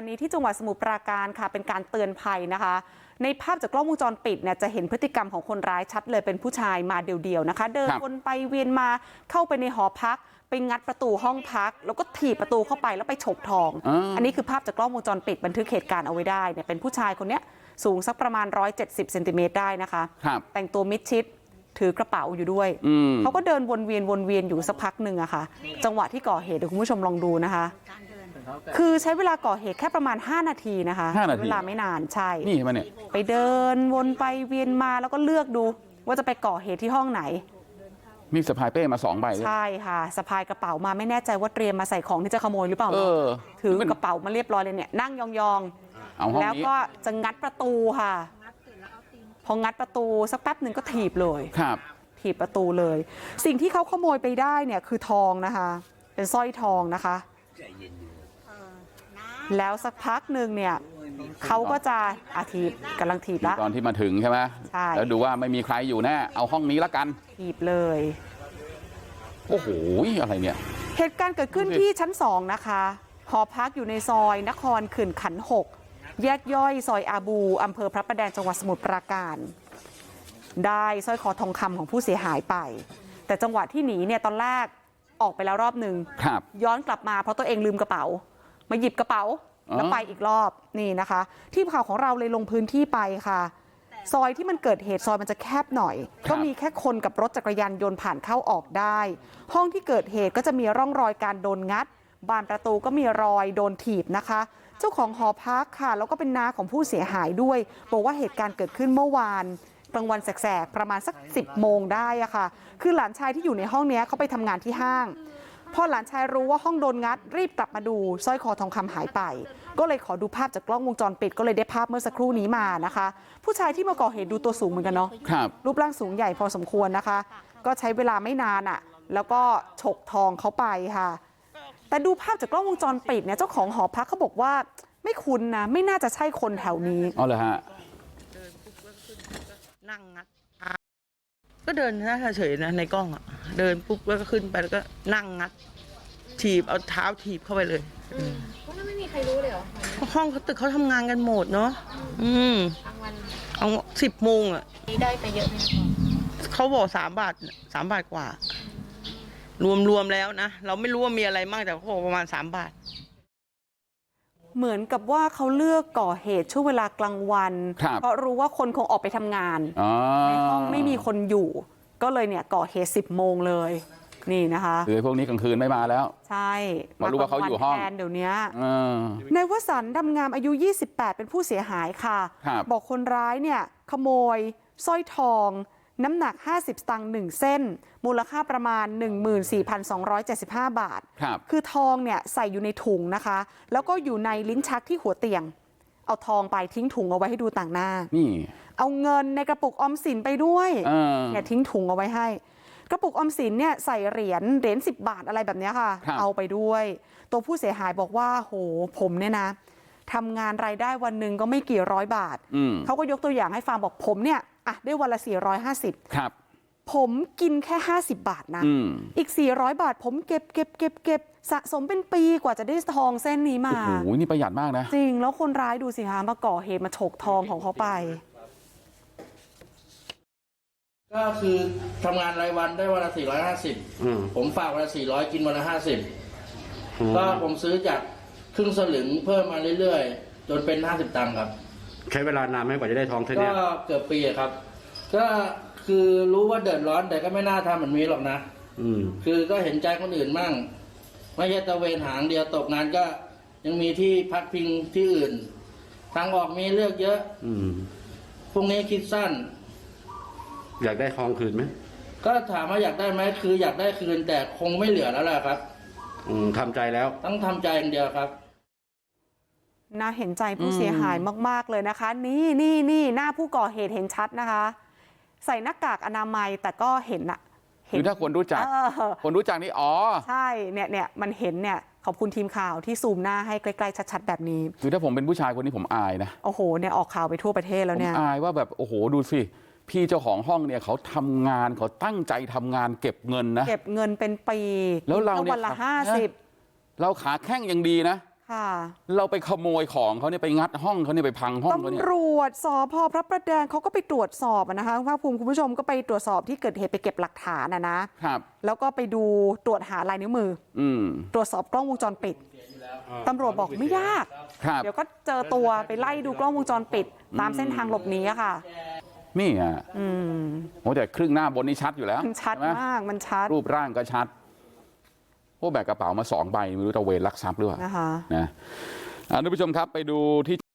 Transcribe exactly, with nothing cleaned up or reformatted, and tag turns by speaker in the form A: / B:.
A: นี้ที่จังหวัดสมุทรปราการค่ะเป็นการเตือนภัยนะคะในภาพจากกล้องวงจรปิดเนี่ยจะเห็นพฤติกรรมของคนร้ายชัดเลยเป็นผู้ชายมาเดี่ยวๆนะคะเดินวนไปเวียนมาเข้าไปในหอพักไปงัดประตูห้องพักแล้วก็ถีบประตูเข้าไปแล้วไปฉกทอง อ, อันนี้คือภาพจากกล้องวงจรปิดบันทึกเหตุการณ์เอาไว้ได้เนี่ยเป็นผู้ชายคนเนี้ยสูงสักประมาณหนึ่งร้อยเจ็ดสิบเซนติเมตรได้นะคะแต่งตัวมิดชิดถือกระเป๋าอยู่ด้วยเขาก็เดินวนเวียนวนเวียนอยู่สักพักหนึ่งอะค่ะจังหวะที่ก่อเหตุเดี๋ยวคุณผู้ชมลองดูนะคะคือใช้เวลาก่อเหตุแค่ประมาณห้านาทีนะคะเวลาไม่นานใช่
B: นี่มาเนี่ย
A: ไปเดินวนไปเวียนมาแล้วก็เลือกดูว่าจะไปก่อเหตุที่ห้องไหน
B: มีสะพายเป้มาสองใบ
A: ใช่ค่ะสะพายกระเป๋ามาไม่แน่ใจว่าเตรียมมาใส่ของที่จะขโมยหรือเปล่าถือกระเป๋ามาเรียบร้อยเลยเนี่ยนั่งยองๆแล้วก็จะงัดประตูค่ะพองัดประตูสักแป๊บหนึ่งก็ถีบเลย
B: ครับ
A: ถีบประตูเลยสิ่งที่เขาขโมยไปได้เนี่ยคือทองนะคะเป็นสร้อยทองนะคะแล้วสักพักหนึ่งเนี่ยเขาก็จะอาถีบกำลังถีบแล้ว
B: ตอนที่มาถึงใช่ไหม
A: ใช่
B: แล้วดูว่าไม่มีใครอยู่แน่เอาห้องนี้ละกัน
A: ถีบเลย
B: โอ้โหอะไรเนี่ย
A: เหตุการณ์เกิดขึ้นที่ชั้นสองนะคะหอพักอยู่ในซอยนครขื่นขันหกแยกย่อยซอยอาบูอำเภอพระประแดงจังหวัดสมุทรปราการได้สร้อยคอทองคำของผู้เสียหายไปแต่จังหวะที่หนีเนี่ยตอนแรกออกไปแล้วรอบหนึ่งย้อนกลับมาเพราะตัวเองลืมกระเป๋ามาหยิบกระเป๋าแล้วไปอีกรอบนี่นะคะทีมข่าวของเราเลยลงพื้นที่ไปค่ะซอยที่มันเกิดเหตุซอยมันจะแคบหน่อยก็มีแค่คนกับรถจักรยานยนต์ผ่านเข้าออกได้ห้องที่เกิดเหตุก็จะมีร่องรอยการโดนงัดบานประตูก็มีรอยโดนถีบนะคะเจ้าของหอพักค่ะแล้วก็เป็นน้าของผู้เสียหายด้วยบอกว่าเหตุการณ์เกิดขึ้นเมื่อวานกลางวันแสกๆประมาณสักสิบโมงได้อะค่ะคือหลานชายที่อยู่ในห้องนี้เขาไปทำงานที่ห้างพอหลานชายรู้ว่าห้องโดนงัดรีบกลับมาดูสร้อยคอทองคำหายไปก็เลยขอดูภาพจากกล้องวงจรปิดก็เลยได้ภาพเมื่อสักครู่นี้มานะคะผู้ชายที่มาก่อเหตุดูตัวสูงเหมือนกันเนาะรูปร่างสูงใหญ่พอสมควรนะคะก็ใช้เวลาไม่นานอ่ะแล้วก็ฉกทองเขาไปค่ะแต่ดูภาพจากกล้องวงจรปิดเนี่ยเจ้าของหอพักเขาบอกว่าไม่คุ้นนะไม่น่าจะใช่คนแถวนี้
B: อ๋อเหรอฮะ
C: นั่งงัดก็เดินหน้าเฉยๆนะในกล้องอ่ะเดินปุ๊บแล้วก็ขึ้นไปแล้วก็นั่งงัดถีบเอาเท้าถีบเข้าไปเลย
D: เพราะไม่มีใครรู้เลยเหรอ
C: ห้องเขาตึกเขาทำงานกันหมดเนาะอืมเอาสิบโมงอ่ะ
D: ได้ไปเยอะไหม
C: เขาบอกสามบาทสามบาทกว่ารวมๆแล้วนะเราไม่รู้ว่ามีอะไรมากแต่เขาบอกประมาณสามบาท
A: เหมือนกับว่าเขาเลือกก่อเหตุช่วงเวลากลางวันเพราะรู้ว่าคนคงออกไปทำงานในห้องไม่มีคนอยู่ก็เลยเนี่ยก่อเหตุสิบโมงเลยนี่นะคะ
B: คือพวกนี้กลางคืนไม่มาแล้ว
A: ใช่
B: มารู้ว่าเขาอยู่ห้อง
A: แทนเดี๋ยวนี้ในวสันต์ดำงามอายุยี่สิบแปดเป็นผู้เสียหายค่ะบอกคนร้ายเนี่ยขโมยสร้อยทองน้ำหนักห้าสิบสตางค์หนึ่งเส้นมูลค่าประมาณ หนึ่งหมื่นสี่พันสองร้อยเจ็ดสิบห้า บาท
B: ครับ
A: คือทองเนี่ยใส่อยู่ในถุงนะคะแล้วก็อยู่ในลิ้นชักที่หัวเตียงเอาทองไปทิ้งถุงเอาไว้ให้ดูต่างหน้า
B: นี่
A: เอาเงินในกระปุกออมสินไปด้วยเนี่ยทิ้งถุงเอาไว้ให้กระปุกออมสินเนี่ยใส่เหรียญเหรียญสิบบาทอะไรแบบนี้ค่ะเอาไปด้วยตัวผู้เสียหายบอกว่าโหผมเนี่ยนะทำงานรายได้วันหนึ่งก็ไม่กี่ร้อยบาทเขาก็ยกตัวอย่างให้ฟังบอกผมเนี่ยอ่ะได้วันละสี่ร้อยห้าสิบ
B: ครับ
A: ผมกินแค่ห้าสิบบาทนะอีกสี่ร้อยบาทผมเก็บเก็บเก็บเก็บสะสมเป็นปีกว่าจะได้ทองเส้นนี้มา
B: โอ้โหนี่ประหยัดมากนะ
A: จริงแล้วคนร้ายดูสิคะมาก่อเหตุมาฉกทองของเขาไป
E: ก็คือทำงานรายวันได้วันละสี่ร้อยห้าสิบผมฝากวันละสี่ร้อยกินวันละห้าสิบก็ผมซื้อจากครึ่งสลึงเพิ่มมาเรื่อยๆจนเป็นห้าสิบตังค์ครับ
F: ใช้เวลานานไหมกว่าจะได้ทองเท่านี้
E: ก็เกือบปีครับก็คือรู้ว่าเดือดร้อนแต่ก็ไม่น่าทำแบบนี้หรอกนะ
F: อืม
E: คือก็เห็นใจคนอื่นมั่งไม่ใช่ตะเวนหางเดียวตกงานก็ยังมีที่พักพิงที่อื่นทางออกมีเลือกเยอะ
F: อืม
E: พวกนี้คิดสั้น
F: อยากได้ทองคืนไหม
E: ก็ถามว่าอยากได้ไหมคืออยากได้คืนแต่คงไม่เหลือแล้วแหละครับ
F: อืมทำใจแล้ว
E: ต้องทำใจอย่างเดียวครับ
A: น่าเห็นใจผู้เสียหายมากๆเลยนะคะนี่นี่นี่หน้าผู้ก่อเหตุเห็นชัดนะคะใส่หน้ากากอนามัยแต่ก็เห็นอะ
B: คือถ้าคนรู้จักคนรู้จักนี่อ๋อ
A: ใช่เนี่ยเนี่ยมันเห็นเนี่ยขอบคุณทีมข่าวที่ซูมหน้าให้ใกล้ๆชัดๆแบบนี้
B: คือถ้าผมเป็นผู้ชายคนนี้ผมอายนะ
A: โอ้โหเนี่ยออกข่าวไปทั่วประเทศแล้วเนี่ย
B: ผมอายว่าแบบโอ้โหดูสิพี่เจ้าของห้องเนี่ยเขาทำงานเขาตั้งใจทำงานเก็บเงินนะ
A: เก็บเงินเป็นปี
B: แล้วเราเนี่ย
A: วันละห้าสิบ
B: เราขาแข้งยังดีนะ
A: ค่ะ
B: เราไปขโมยของเขาเนี่ยไปงัดห้องเขาเนี่ยไปพังห้องเขาเนี่ย
A: ตำรวจสพพระประแดงเขาก็ไปตรวจสอบอะนะคะภาคภูมิคุณผู้ชมก็ไปตรวจสอบที่เกิดเหตุไปเก็บหลักฐานอะนะครับ แล้วก็ไปดูตรวจหาลายนิ้วมือ
B: อืม
A: ตรวจสอบกล้องวงจรปิดตำรวจบอกไม่ยาก
B: ครับ
A: เดี๋ยวก็เจอตัวไปไล่ดูกล้องวงจรปิด ตามเส้นทางหลบหนีอะค่ะ
B: นี่อ่ะ
A: อืม
B: โอ้แต่ครึ่งหน้าบนนี่ชัดอยู่แล้ว
A: มันชัด
B: ใช่ไห
A: มากมันชัด
B: รูปร่างก็ชัดโอ้แบกกระเป๋ามาสองใบไม่รู้ตะเวนลักทรัพย์หรือเปล่า
A: นะคะ
B: นะอ่าทุกผู้ชมครับไปดูที่